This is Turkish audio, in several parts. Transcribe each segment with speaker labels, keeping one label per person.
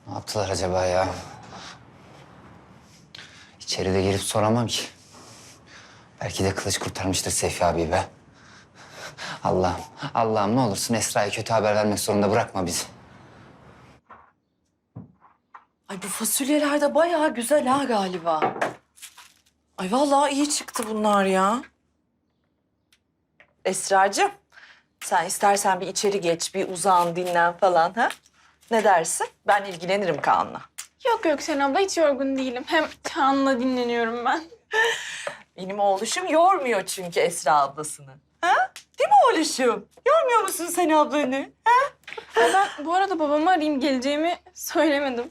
Speaker 1: Ne yaptılar acaba ya? İçeride gelip soramam ki. Belki de kılıç kurtarmıştır Seyfi abi be. Allah'ım, Allah'ım ne olursun Esra'ya kötü haber vermek zorunda bırakma bizi.
Speaker 2: Ay bu fasulyeler de bayağı güzel ha galiba. Ay vallahi iyi çıktı bunlar ya. Esracığım, sen istersen bir içeri geç, bir uzan, dinlen falan ha? Ne dersin? Ben ilgilenirim Kaan'la.
Speaker 3: Yok Gökçen abla hiç yorgun değilim. Hem Kaan'la dinleniyorum ben.
Speaker 2: Benim oğluşum yormuyor çünkü Esra ablasını. Ha? Değil mi oğluşum? Yormuyor musun sen ablanı?
Speaker 3: Ben bu arada babamı arayayım geleceğimi söylemedim.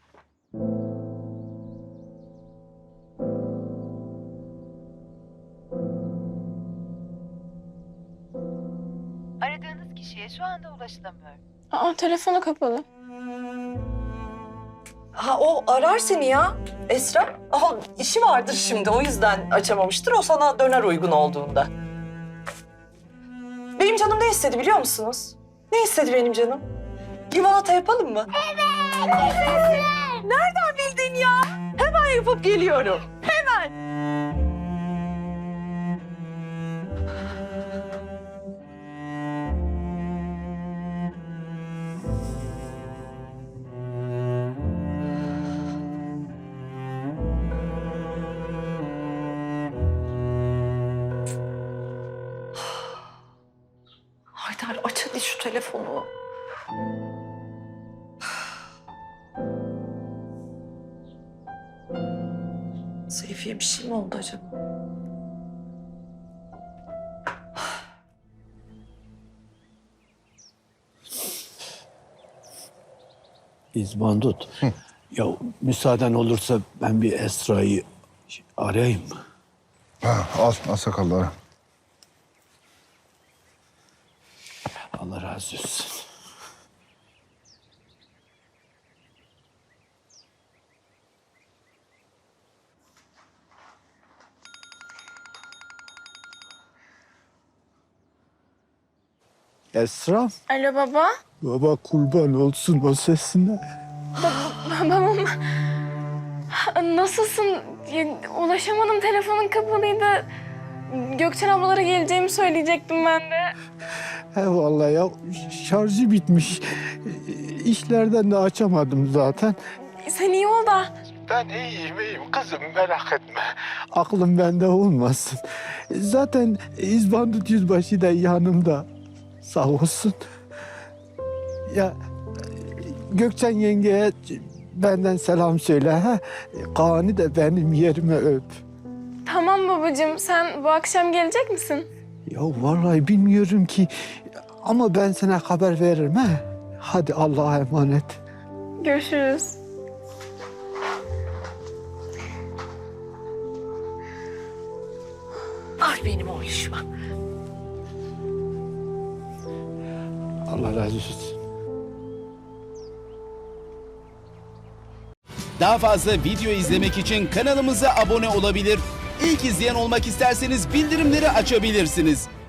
Speaker 4: Aradığınız kişiye şu anda ulaşılamıyor.
Speaker 3: Aa telefonu kapalı.
Speaker 2: Ha o arar seni ya Esra. Aha, işi vardır şimdi o yüzden açamamıştır. O sana döner uygun olduğunda. Benim canım ne istedi biliyor musunuz? Ne istedi benim canım? Limonata yapalım mı? Evet. Nereden bildin ya? Hemen yapıp geliyorum. Hemen. Haydar aç hadi şu telefonu. Seyfi'ye bir şey mi oldu acaba?
Speaker 5: İzbandut. Ya müsaaden olursa ben bir Esra'yı arayayım mı?
Speaker 6: Ha, al sakalları.
Speaker 5: Allah razı olsun. Esra,
Speaker 3: Alo baba.
Speaker 5: baba kurban olsun o sesine.
Speaker 3: Babam. Nasılsın? Ya, ulaşamadım telefonun kapalıydı. Gökçen ablalara geleceğimi söyleyecektim ben de.
Speaker 5: He vallahi ya şarjı bitmiş. İşlerden de açamadım zaten.
Speaker 3: Sen iyi ol da.
Speaker 5: Ben iyiyim kızım merak etme. Aklım bende olmasın. Zaten İzbandut Yüzbaşı da yanımda. Sağ olsun. Ya Gökçen yengeye benden selam söyle. Ha? Kaan'ı da benim yerime öp.
Speaker 3: Tamam babacığım sen bu akşam gelecek misin?
Speaker 5: Ya vallahi bilmiyorum ki ama ben sana haber veririm. Ha? Hadi Allah'a emanet.
Speaker 3: Görüşürüz.
Speaker 2: Ay benim oğluşuma.
Speaker 5: Allah razı olsun.
Speaker 7: Daha fazla video izlemek için kanalımıza abone olabilir. İlk izleyen olmak isterseniz bildirimleri açabilirsiniz.